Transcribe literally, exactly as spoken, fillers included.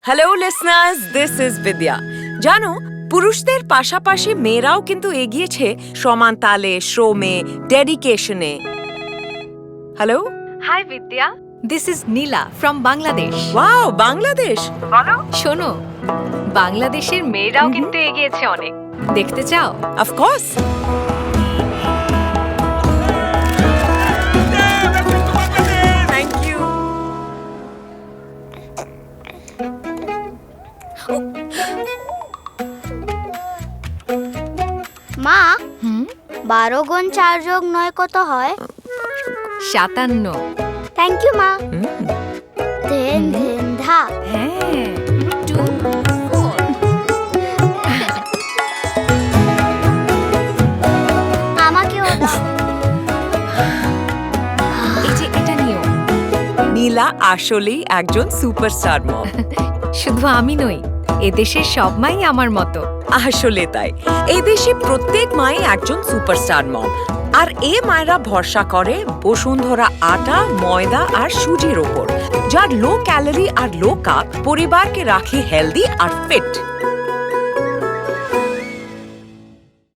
Hello listeners, this is বিদ্যা। জানো, পুরুষদের পাশাপাশি মেয়েরাও কিন্তু এগিয়েছে সমান তালে, শ্রমে, ডেডিকেশনে। Hello, hi Vidya, this is Neela from Bangladesh. Wow, Bangladesh. বলো। শোনো, বাংলাদেশের মেয়েরাও কিন্তু এগিয়েছে অনেক। দেখতে চাও? Of course. Thank you. মা, হুম, বারো গুণ চার যোগ নয় কত হয়? সাতান্ন। থ্যাংক ইউ মা। হুম, ধেন ধেন ধা। হ্যাঁ, টু ফোর। আমাকেও দাও। এই যে এটা নিও। নীলা আসলেই একজন সুপারস্টার মম। শুধু আমি নই, এদেশের সব মাই আমার মতো। আসলে তাই, এই দেশে প্রত্যেক মাই একজন সুপারস্টার মম। আর এ মায়েরা ভরসা করে বসুন্ধরা আটা, ময়দা আর সুজির ওপর, যার লো ক্যালোরি আর লো কার্ব পরিবারকে রাখে হেলদি আর ফিট।